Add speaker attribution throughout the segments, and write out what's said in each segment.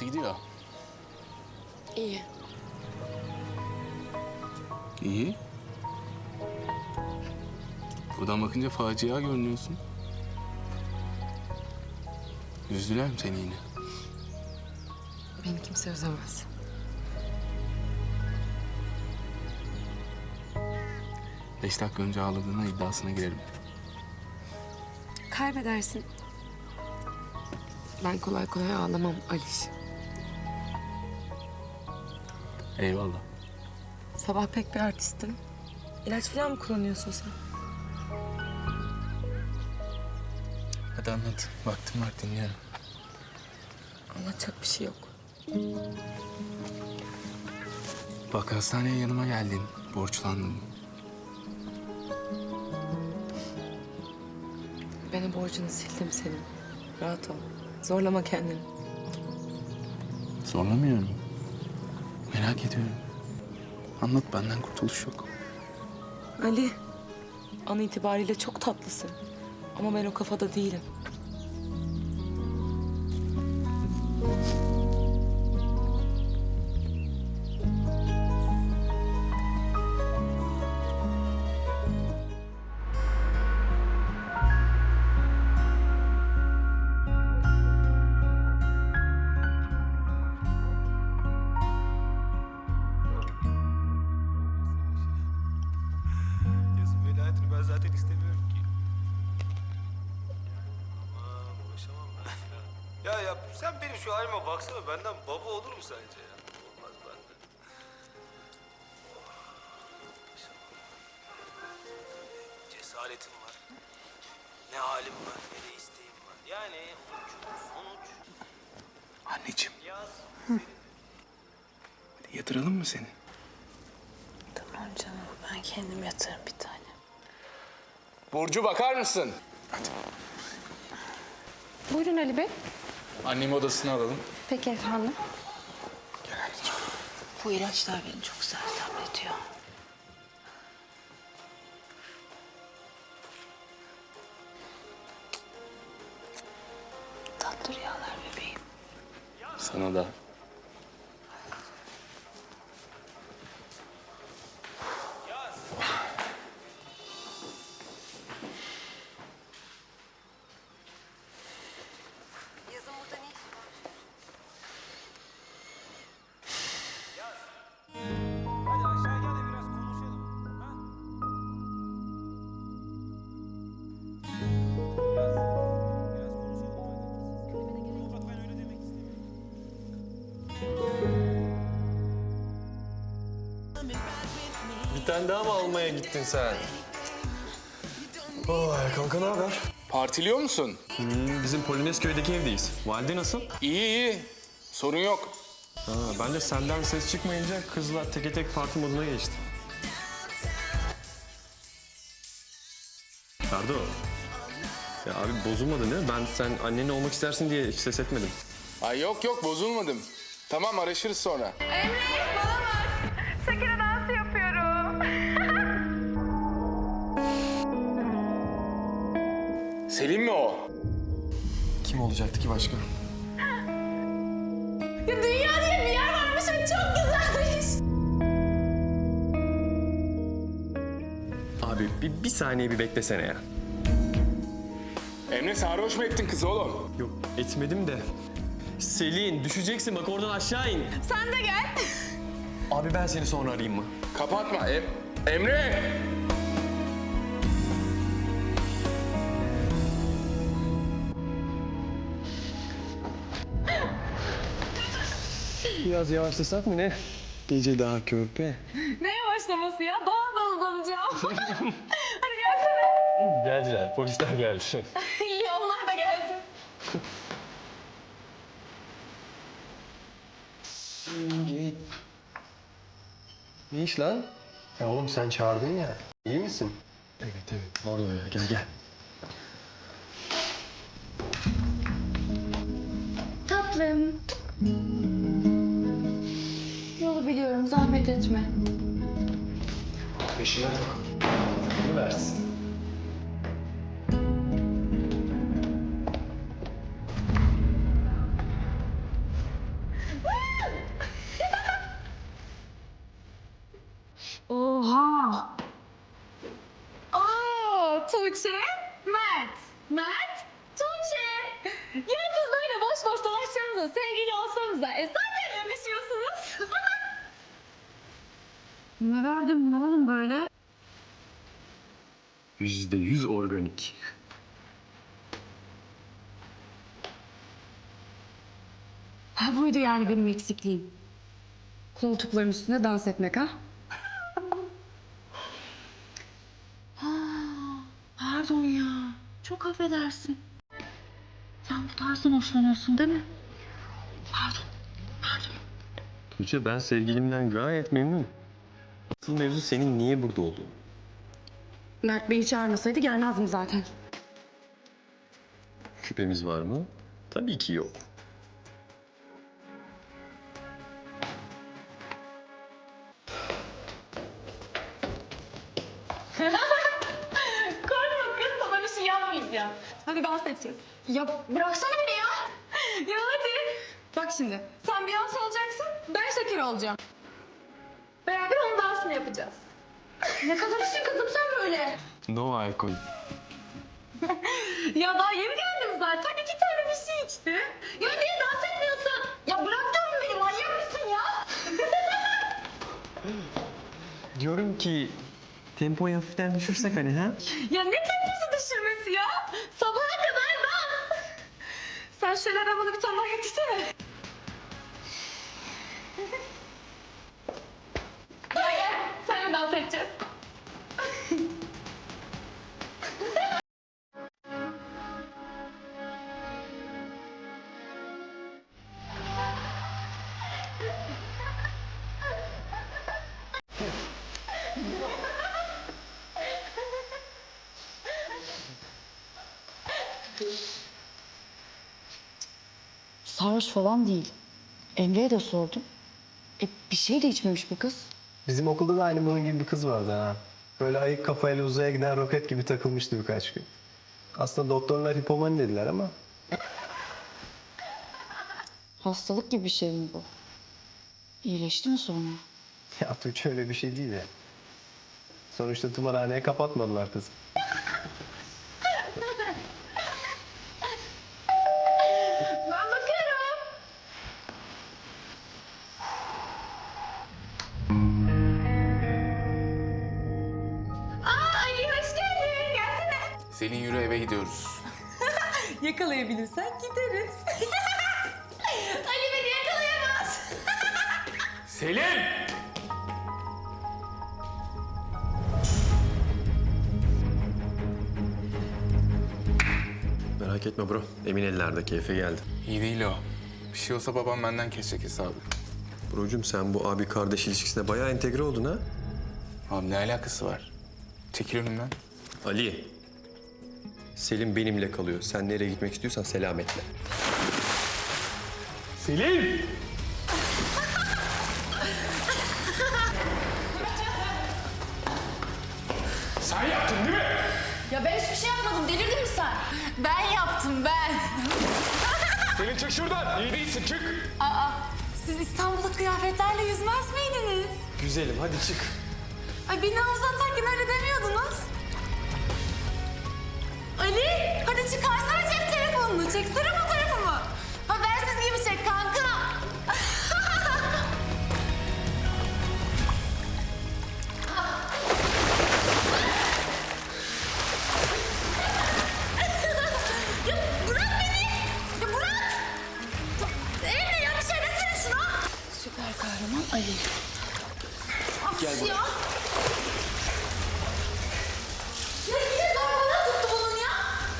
Speaker 1: Nasıl gidiyor?
Speaker 2: İyi.
Speaker 1: İyi. Buradan bakınca facia görünüyorsun. Üzdüler mi seni yine?
Speaker 2: Beni kimse üzemez.
Speaker 1: Beş dakika önce ağladığına iddiasına girerim.
Speaker 2: Kaybedersin. Ben kolay kolay ağlamam Aliş.
Speaker 1: Eyvallah.
Speaker 2: Sabah pek bir artistim. İlaç falan mı kullanıyorsun sen?
Speaker 1: Hadi anlat. Vaktim var, dinliyorum.
Speaker 2: Anlatacak bir şey yok.
Speaker 1: Bak hastaneye yanıma geldin. Borçlandın.
Speaker 2: Ben o borcunu sildim senin. Rahat ol. Zorlama kendini.
Speaker 1: Zorlamıyorum. Merak ediyorum. Anlat, benden kurtuluş yok.
Speaker 2: Ali, an itibariyle çok tatlısın. Ama ben o kafada değilim.
Speaker 3: Yazın velayetini ben zaten istemiyorum ki. Aman uğraşamam ben. Ya sen benim şu halime baksana, benden baba olur mu sence ya? Olmaz benden. Uğraşamam. Cesaretim var. Ne halim var, ne de isteğim var. Yani sonuç.
Speaker 1: Anneciğim,
Speaker 3: Yaz.
Speaker 1: hadi yatıralım mı seni?
Speaker 4: Tamam canım, ben kendim yatarım bir tane.
Speaker 1: Burcu, bakar mısın?
Speaker 5: Buyurun Ali Bey.
Speaker 1: Annemi odasına alalım.
Speaker 5: Peki efendim.
Speaker 1: Gel anneciğim.
Speaker 4: Bu ilaçlar beni çok sersemletiyor. Tatlı rüyalar bebeğim.
Speaker 1: Sana da.
Speaker 2: Yazın burada ne işin var?
Speaker 3: Hadi aşağı gel de biraz konuşalım. Ha? Yaz. Biraz konuşalım hadi. Bak ben öyle demek istemiyorum.
Speaker 6: Bir tane daha mı almaya gittin sen? Vay kanka, ne haber?
Speaker 1: Partiliyor musun?
Speaker 6: Bizim Polonezköy'deki evdeyiz. Valide nasıl?
Speaker 1: İyi iyi. Sorun yok.
Speaker 6: Ha, ben de senden ses çıkmayınca kızlar teke tek parti moduna geçti. Ferdo. Ya abi bozulmadın değil mi? Ben sen annenin olmak istersin diye hiç ses etmedim.
Speaker 1: Ay yok yok, bozulmadım. Tamam, araşırız sonra.
Speaker 5: Şekere dansı yapıyorum.
Speaker 1: Selim mi o?
Speaker 6: Kim olacaktı ki başka?
Speaker 5: Ya dünya diye bir yer varmış ve çok güzelmiş.
Speaker 6: Abi bir saniye bir beklesene ya.
Speaker 1: Emre, sarhoş mu ettin kızı oğlum?
Speaker 6: Yok etmedim de. Selin düşeceksin, bak oradan aşağı in.
Speaker 5: Sen de gel.
Speaker 6: Abi ben seni sonra arayayım mı?
Speaker 1: Kapatma Emre!
Speaker 6: Biraz yavaşlasak mı ne? Gece daha körpe.
Speaker 5: Ne yavaşlaması ya? Daha da uzanacağım. Hadi gelsene.
Speaker 6: Geldiler, polisler geldi.
Speaker 5: İyi, onlar da gelsin.
Speaker 6: Ne iş lan? Ya oğlum sen çağırdın ya. İyi misin? Evet evet. Orada ya, gel gel.
Speaker 5: Tatlım. Yolu biliyorum, zahmet etme.
Speaker 6: Peşine tak. Bunu versin.
Speaker 5: Tuğçe, Mert. Mert, Tuğçe. Ya siz böyle boş boş dolaşsanıza, sevgili olsanıza. Zaten öpüşüyorsunuz. Ne verdim ne oğlum böyle?
Speaker 6: %100 organik.
Speaker 5: Ha buydu yani benim eksikliğim. Koltukların üstünde dans etmek ha? Pardon ya. Çok affedersin. Sen bu tarzdan hoşlanıyorsun değil mi?
Speaker 6: Tuğçe, ben sevgilimden gayet memnunum. Asıl mevzu senin niye burada olduğun.
Speaker 5: Mert beni çağırmasaydı gelmezdim zaten.
Speaker 6: Şüphemiz var mı? Tabii ki yok.
Speaker 5: Korkma kız, sana bir şey yapmayacağım. Hadi dans edeceğiz. Ya bıraksana beni ya. Ya hadi. Bak şimdi, sen Beyoncé olacaksın, ben Shakira olacağım. Beraber onun dansını yapacağız. Ne kadar işin kızım sen böyle.
Speaker 6: No alkol.
Speaker 5: Ya daha yeni geldim zaten, 2 tane bir şey içti. Ya niye dans etmiyorsun? Ya bırak diyorum beni, manyak mısın ya?
Speaker 6: Diyorum ki tempoyu hafiften düşürsek hani ha?
Speaker 5: Ya ne temposu düşürmesi ya? Sabaha kadar dans. Sen şöyle arabanı bir tane daha getirsene. Gel gel, seninle dans edeceğiz.
Speaker 7: Sarhoş falan değil. Emre'ye de sordum. Bir şey de içmemiş bu kız.
Speaker 6: Bizim okulda da aynı bunun gibi bir kız vardı ha. Böyle ayık kafayla uzaya giden roket gibi takılmıştı birkaç gün. Aslında doktorlar hipomani dediler ama
Speaker 7: Hastalık gibi bir şey mi bu? İyileşti mi sonra?
Speaker 6: ya Tuğçe öyle bir şey değil ya. Sonuçta tımarhaneye kapatmadılar kızı.
Speaker 5: Ben bakarım. Aa Ali hoş geldin. Gelsene.
Speaker 1: Selin yürü eve gidiyoruz.
Speaker 2: Yakalayabilirsen gideriz.
Speaker 5: Ali beni yakalayamaz.
Speaker 1: Selin!
Speaker 6: Merak etme bro. Emin ellerde, keyfe geldi.
Speaker 1: İyi değil o. Bir şey olsa babam benden kesecek hesabı.
Speaker 6: Brocum, sen bu abi kardeş ilişkisine bayağı entegre oldun ha?
Speaker 1: Abi ne alakası var? Çekil önümden.
Speaker 6: Ali. Selim benimle kalıyor. Sen nereye gitmek istiyorsan selametle. Selim!
Speaker 1: Sen yaptın değil mi?
Speaker 5: Ya ben hiçbir şey yapmadım. Delirdin mi sen? Ben yaptım ben.
Speaker 1: Selin çık şuradan. İyi değilsin çık.
Speaker 5: Siz İstanbul'da kıyafetlerle yüzmez miydiniz?
Speaker 6: Güzelim, hadi çık.
Speaker 5: Ay beni havuza atarken öyle demiyordunuz. Ali hadi çıkarsana cep telefonunu. Çeksene fotoğrafımı. Habersiz gibi çek kanka. Ya bırak beni. Ya bırak. Emre ya bir şey desene şuna.
Speaker 7: Süper kahraman Ali.
Speaker 5: Gel ya. Ya yine zorbalığa tuttu bunun ya.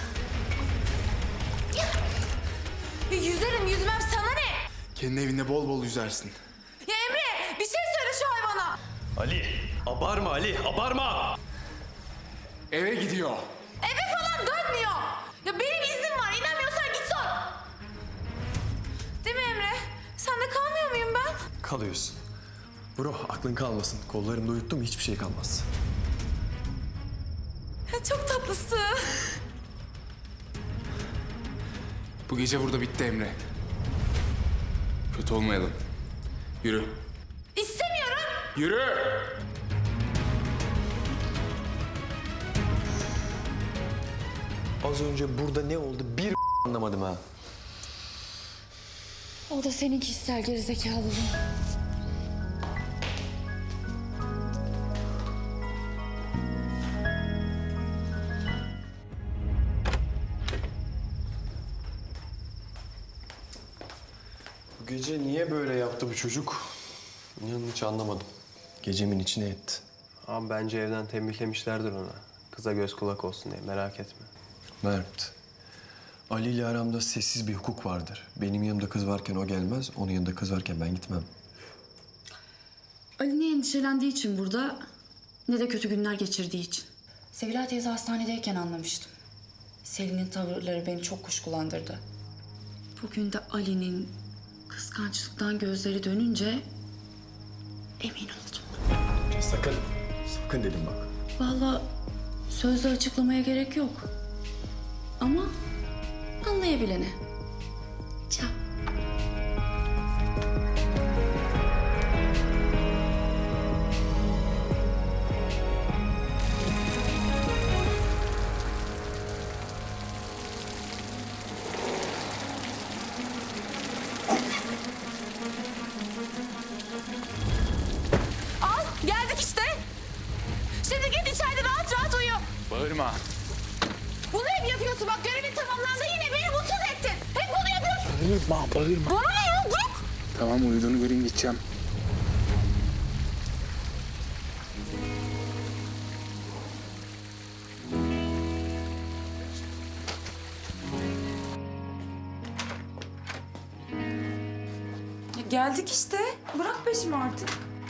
Speaker 5: Ya yüzerim yüzmem sana ne?
Speaker 1: Kendi evinde bol bol yüzersin.
Speaker 5: Ya Emre bir şey söyle şu hayvana.
Speaker 6: Ali, abarma Ali, abarma!
Speaker 1: Eve gidiyor.
Speaker 5: Eve falan dönmüyor. Ya benim iznim var. İnanmıyorsan git sor. Değil mi Emre? Sen de kalmıyor muyum ben?
Speaker 6: Kalıyorsun. Bro, aklın kalmasın. Kollarımda uyuttum, hiçbir şey kalmaz.
Speaker 5: Ya çok tatlısın.
Speaker 1: Bu gece burada bitti Emre. Kötü olmayalım. Yürü.
Speaker 5: İstemiyorum.
Speaker 1: Yürü!
Speaker 8: Az önce burada ne oldu bir anlamadım ha.
Speaker 7: O da senin kişisel gerizekalılığın.
Speaker 8: Bu gece niye böyle yaptı bu çocuk? İnanın hiç anlamadım. Gecemin içine etti.
Speaker 6: Ama bence evden tembihlemişlerdir ona. Kıza göz kulak olsun diye, merak etme.
Speaker 8: Mert, Ali ile aramda sessiz bir hukuk vardır. Benim yanımda kız varken o gelmez, onun yanında kız varken ben gitmem.
Speaker 7: Ali ne endişelendiği için burada ne de kötü günler geçirdiği için. Sevilay teyze hastanedeyken anlamıştım. Selin'in tavırları beni çok kuşkulandırdı. Bugün de Ali'nin kıskançlıktan gözleri dönünce emin oldum.
Speaker 8: Sakın, sakın dedim bak.
Speaker 7: Vallahi sözle açıklamaya gerek yok. Ama anlayabilene. Ciao.
Speaker 5: Al geldik işte. Şimdi git içeride rahat rahat uyu.
Speaker 1: Bağırma.
Speaker 5: Bunu hep yapıyorsun bak görevin tamamlandı yine beni mutsuz ettin. Hep bunu yapıyorsun.
Speaker 1: Bağırma.
Speaker 5: Bana ne ya git.
Speaker 1: Tamam uyuduğunu göreyim gideceğim.
Speaker 2: Geldik işte. Bırak peşimi artık.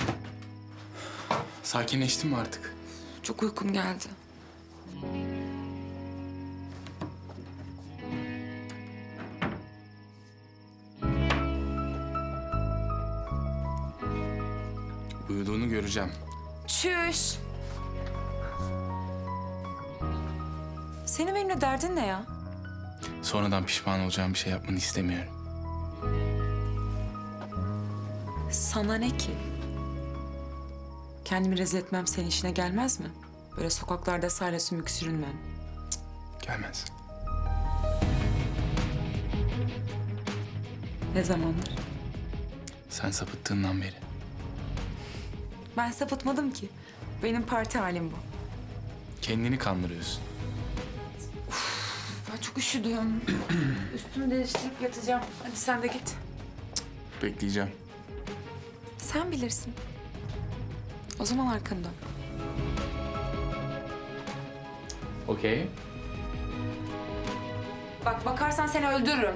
Speaker 1: Sakinleştin mi artık?
Speaker 2: Çok uykum geldi.
Speaker 1: Uyuduğunu göreceğim.
Speaker 2: Çüş. Senin benimle derdin ne ya?
Speaker 1: Sonradan pişman olacağım bir şey yapmanı istemiyorum.
Speaker 2: Sana ne ki? Kendimi rezil etmem senin işine gelmez mi? Böyle sokaklarda sahile sümük sürünmem.
Speaker 1: Gelmez.
Speaker 2: Ne zamandır?
Speaker 1: Sen sapıttığından beri.
Speaker 2: Ben sapıtmadım ki. Benim parti halim bu.
Speaker 1: Kendini kandırıyorsun.
Speaker 2: Ben çok üşüdüm. Üstümü değiştirip yatacağım. Hadi sen de git.
Speaker 1: Bekleyeceğim.
Speaker 2: Sen bilirsin. O zaman arkanı dön.
Speaker 1: Okey.
Speaker 2: Bak bakarsan seni öldürürüm.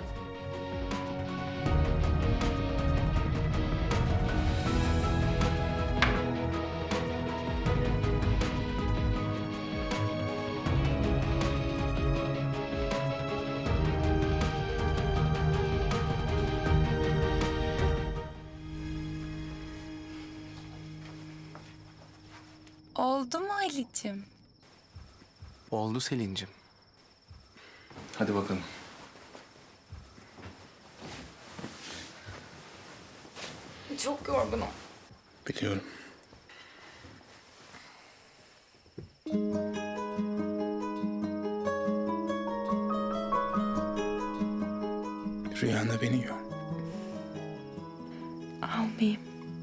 Speaker 2: Oldu mu Ali'cim?
Speaker 3: Oldu Selin'cim.
Speaker 1: Hadi bakalım.
Speaker 2: Çok yorgunum.
Speaker 1: Biliyorum. Rüyanda beni gör.
Speaker 2: Almayayım.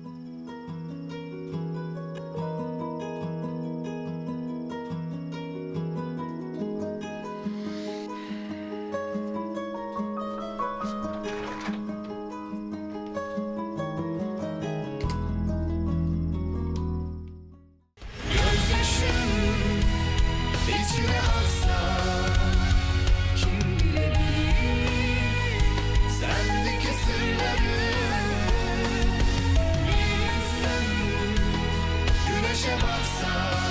Speaker 9: İçine aksa kim bilebilir sendeki sırları. Bir insan güneşe baksa